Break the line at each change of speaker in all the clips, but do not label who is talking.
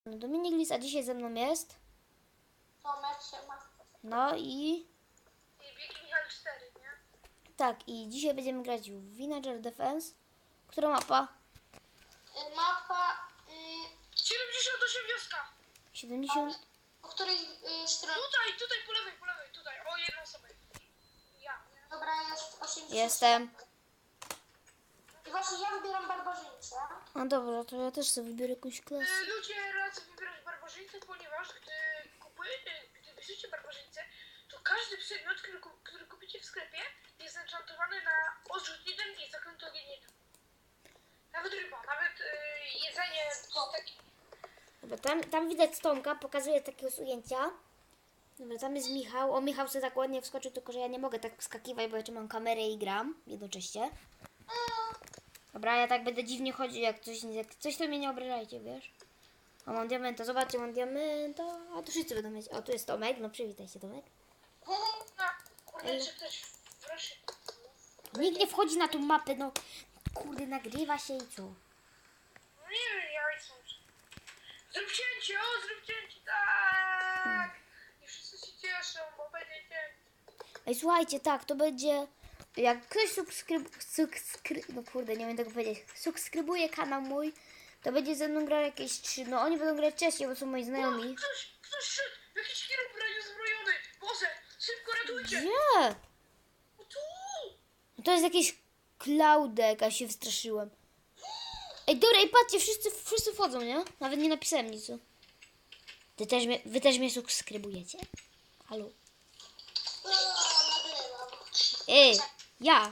Dominik Lis, a dzisiaj ze mną jest.
Tomek się ma.
No i...
I Biegi Michał 4, nie?
Tak, i dzisiaj będziemy grać w Villager Defense. Która mapa?
Mapa 78 wioska.
70...
Po której stronie? Tutaj po lewej, tutaj. O, jedną osobę. Ja. Dobra, jest 80.
Jestem.
I właśnie ja wybieram barbarzyńcę.
No dobra, to ja też sobie wybiorę jakąś klasę.
Ludzie radzą wybierać barbarzyńcę, ponieważ gdy bierzecie barbarzyńcę, to każdy przedmiot, który kupicie w sklepie, jest enchantowany na odrzut 1 i zaklęty ogień 1. Nawet ryba, nawet jedzenie.
Dobra, tam widać Tomka, pokazuje takiego ujęcia. Dobra, tam jest Michał. O, Michał sobie tak ładnie wskoczył, tylko że ja nie mogę tak wskakiwać, bo jeszcze mam kamerę i gram jednocześnie. Dobra, ja tak będę dziwnie chodził, jak coś to mnie nie obrażajcie, wiesz? O, mam diamenta, zobaczcie, mam diamenta. A tu wszyscy będą mieć. O, tu jest Tomek, no przywitaj się, Tomek.
Kurde, czy ktoś proszę.
Nikt nie wchodzi na tą mapę, no. Kurde, nagrywa się i co?
No nie wiem, ja chcę. Zrób cięcie, zrób cięcie, tak! I wszyscy się cieszą, bo będzie cięcie.
Ej, słuchajcie, tak, to będzie... Jak ktoś no kurde, nie wiem tego powiedzieć. Subskrybuje kanał mój, to będzie ze mną grał jakieś 3... No oni będą grać wcześniej, bo są moi znajomi.
Ktoś szedł! Jakiś chirurg uzbrojony! Boże, szybko ratujcie!
Gdzie?
O, tu!
No to jest jakiś Klaudek, a się wystraszyłem. Ej, dobra, i patrzcie, wszyscy wchodzą, nie? Nawet nie napisałem nic. Wy też mnie subskrybujecie? Halo?
Nagrywam.
Ej, ja.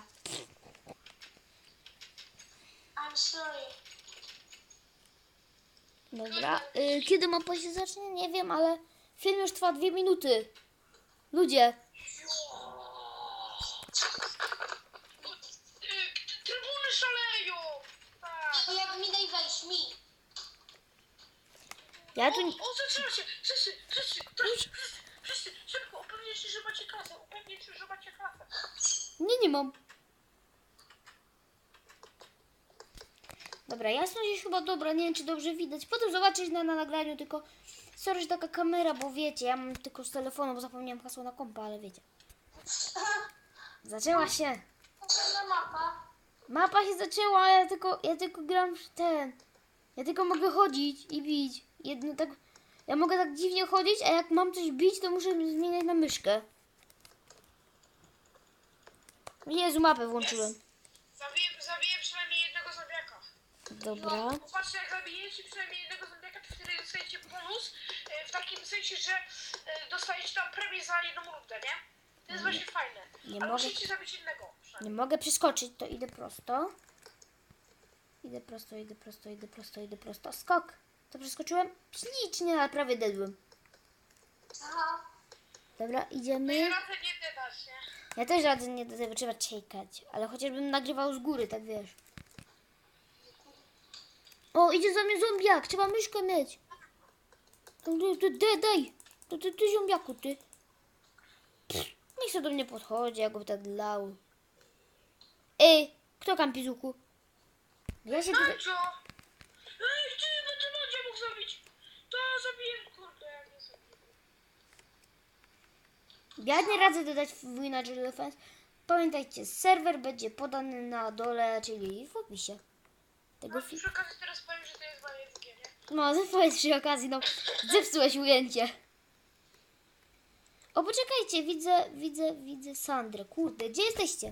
I'm sorry.
Dobra, kiedy mapa się zacznie? Nie wiem, ale film już trwa 2 minuty. Ludzie.
Trybuny szaleją! Tak. To jak mi daj wejść, mi.
Ja tu...
O, zaczyna się! Wszyscy, szybko, upewnijcie się, że macie klasę.
Nie mam. Dobra, jasność jest chyba dobra, nie wiem czy dobrze widać. Potem zobaczyć na nagraniu, tylko sorry, że taka kamera, bo wiecie, ja mam tylko z telefonu, bo zapomniałem hasła na kompa, ale wiecie. Zaczęła się.
Mapa.
Mapa się zaczęła, a ja tylko gram w ten. Ja tylko mogę chodzić i bić. Ja mogę tak dziwnie chodzić, a jak mam coś bić, to muszę zmieniać na myszkę. Jezu, mapę włączyłem.
Zabiję przynajmniej jednego zombiaka.
Dobra.
No, popatrzcie, jak zabijecie przynajmniej jednego zombiaka, to wtedy dostajecie bonus, w takim sensie, że dostajecie tam premię za jedną rundę, nie? To jest właśnie fajne.
Nie
Ale
mogę.
musicie zabić jednego.
Nie mogę przeskoczyć, to idę prosto. Idę prosto. Skok. To przeskoczyłem? Ślicznie, ale prawie dedłem.
Aha.
Dobra, idziemy.
Ja raczej nie dasz, nie?
Ja też radzę nie do tego, trzeba czekać. Ale chociażbym nagrywał z góry, tak wiesz. O, idzie za mnie zombiak, trzeba myszkę mieć. Daj. Ty zombiaku, ty. Niech się do mnie podchodzi, jak go tak dlał. Ej, kto kampi z łuku? Ja się tutaj...
Mancio! Ej, ty, no to Mancio mógł zabić! To zabiję, kurde, ja nie zabiję.
Ja nie radzę dodać w Villager Defense. Pamiętajcie, serwer będzie podany na dole, czyli w opisie tego filmu.
Przy okazji teraz powiem, że to jest WSG, nie?
No, powiedz przy okazji, no, zepsułeś ujęcie. O, poczekajcie, widzę Sandrę. Kurde, gdzie jesteście?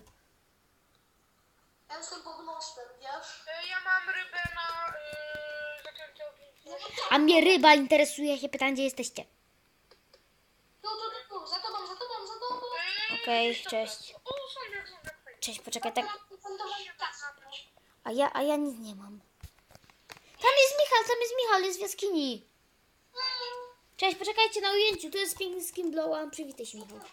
Ja jestem pod mostem, wiesz? Ja mam rybę na zaklęty ogień.
A mnie ryba interesuje, jak się pytam, gdzie jesteście.
Tu, za tobą.
Okej, cześć.
O, zombiak.
Cześć, poczekaj, tak. A ja nic nie mam. Tam jest Michał, jest w jaskini. Cześć, poczekajcie na ujęciu, tu jest piękny skin blow, przywitaj się, Michał.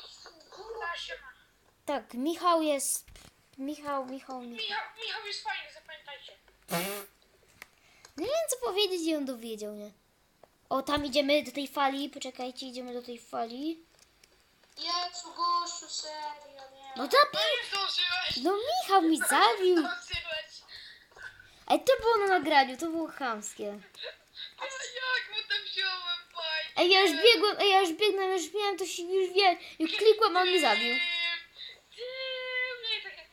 Tak, Michał jest... Michał
jest fajny, zapamiętajcie.
Nie wiem, co powiedzieć i on dowiedział, nie? O, tam idziemy do tej fali, poczekajcie, idziemy do tej fali.
Jezu, gościu, serio, nie.
No to...
nie zdążyłeś.
No Michał mi zabił.
Zdążyłeś.
Ej, to było na nagraniu, to było chamskie.
Jak
Ej, ja już biegłem, ja już biegnę, już miałem to się, już wiem. Już klikłem, a on mnie zabił.
Nie, takie...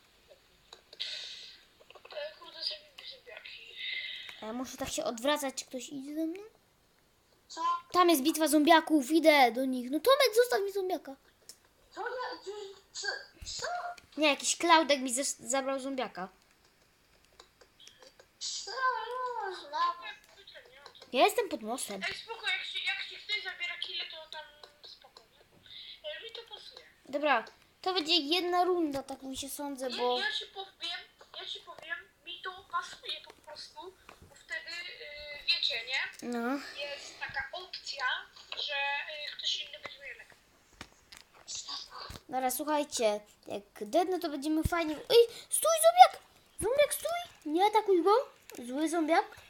Kurde, zabijmy zombiaki.
A ja muszę tak się odwracać, czy ktoś idzie ze mną?
Co?
Tam jest bitwa zombiaków, idę do nich. No Tomek, zostaw mi zombiaka.
Co ja... Co? Co?
Nie, jakiś Klaudek mi zabrał zombiaka.
Co? No,
Ja jestem pod mostem.
Ej, spoko, jak ci ktoś zabiera kile, to tam spoko, nie? Mi to pasuje.
Dobra, to będzie jedna runda, tak mi się sądzę, bo...
Ja ci powiem, mi to pasuje po prostu, bo wtedy, wiecie, nie?
No.
Jest taka opcja, że ktoś inny będzie miał lepiej.
Dobra, słuchajcie, jak dednę, to będziemy fajnie... Ej, stój zombiak! Zombiak, stój! Nie atakuj go! Zły zombiak.